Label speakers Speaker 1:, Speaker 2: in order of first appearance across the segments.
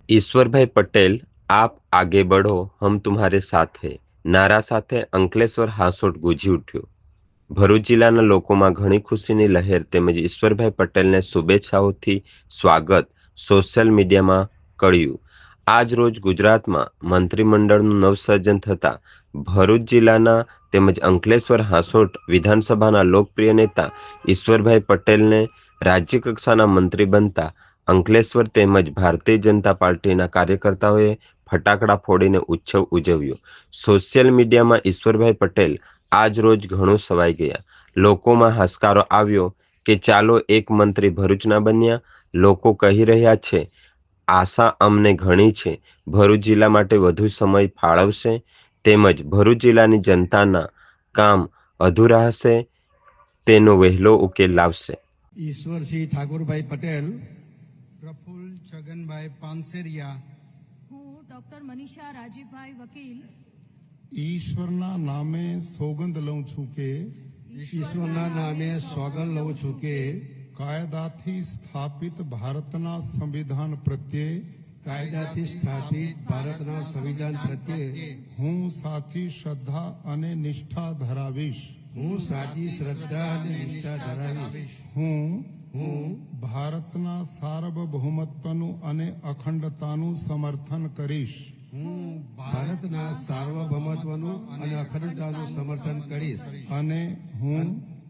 Speaker 1: ઈશ્વરભાઈ પટેલ, આપ આગે બઢો, હમ તુમ્હારે સાથ હૈ નારા સાથે અંકલેશ્વર હાંસોટ ગુંજી ઉઠ્યું. ભરૂચ જિલ્લાના લોકોમાં ઘણી ખુશીની લહેર તેમજ ઈશ્વરભાઈ પટેલને શુભેચ્છાઓથી સ્વાગત સોશિયલ મીડિયામાં કળ્યું. આજ રોજ ગુજરાતમાં મંત્રીમંડળનું નવસર્જન થતાં ભરૂચ જિલ્લાના તેમજ અંકલેશ્વર હાંસોટ વિધાનસભાના લોકપ્રિય નેતા ઈશ્વરભાઈ પટેલને રાજ્યકક્ષાના મંત્રી બનતા અંકલેશ્વર તેમજ ભારતીય જનતા પાર્ટીના કાર્યકર્તાઓએ ફટાકડા ફોડીને ઉત્સવ ઉજવ્યો. સોશિયલ મીડિયામાં ઈશ્વરભાઈ પટેલ આજ રોજ ઘણું સવાઈ ગયા. લોકોમાં હાશકારો આવ્યો કે ચાલો એક મંત્રી ભરૂચના બન્યા. લોકો કહી રહ્યા છે આશા અમને ઘણી છે, ભરૂચ જિલ્લા માટે વધુ સમય ફાળવશે તેમજ ભરૂચ જિલ્લાની જનતાના કામ અધૂરા હશે તેનો વહેલો ઉકેલ લાવશે.
Speaker 2: ઈશ્વરસિંહ ઠાકોરભાઈ પટેલ, પ્રફુલ્લ છગનભાઈ પાનસેરિયા,
Speaker 3: હું ડોક્ટર મનીષા રાજીભાઈ વકીલ
Speaker 4: ઈશ્વરના નામે સોગંદ લઉં છું કે
Speaker 2: ઈશ્વરના નામે સોગંદ લઉં છું કે
Speaker 4: કાયદાથી સ્થાપિત ભારતના સંવિધાન પ્રત્યે
Speaker 2: કાયદાથી સ્થાપિત ભારતના સંવિધાન પ્રત્યે
Speaker 4: હું સાચી શ્રદ્ધા અને નિષ્ઠા ધરાવીશ.
Speaker 2: હું સાચી શ્રદ્ધા અને નિષ્ઠા ધરાવીશ.
Speaker 4: હું ભારતના સાર્વભૌમત્વનું અને અખંડતાનું સમર્થન કરીશ.
Speaker 2: હું ભારતના સાર્વભૌમત્વનું અને અખંડતાનું સમર્થન કરીશ.
Speaker 4: અને હું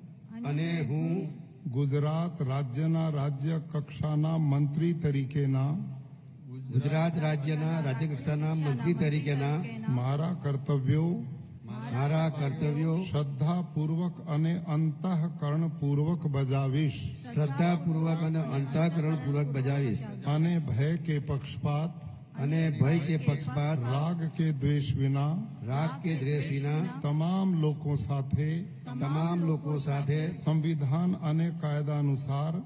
Speaker 4: ગુજરાત રાજ્યના રાજ્ય કક્ષાના મંત્રી તરીકેના
Speaker 2: ગુજરાત રાજ્યના રાજ્યકક્ષાના મંત્રી તરીકેના
Speaker 4: મારા કર્તવ્યો શ્રદ્ધાપૂર્વક અને અંતઃકરણપૂર્વક બજાવીશ.
Speaker 2: શ્રદ્ધાપૂર્વક અને અંતઃકરણપૂર્વક બજાવીશ.
Speaker 4: અને ભય કે પક્ષપાત રાગ કે દ્વેષ વિના તમામ લોકો સાથે સંવિધાન અને કાયદા અનુસાર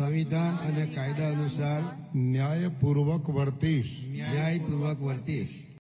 Speaker 4: ન્યાયપૂર્વક વર્તીશ.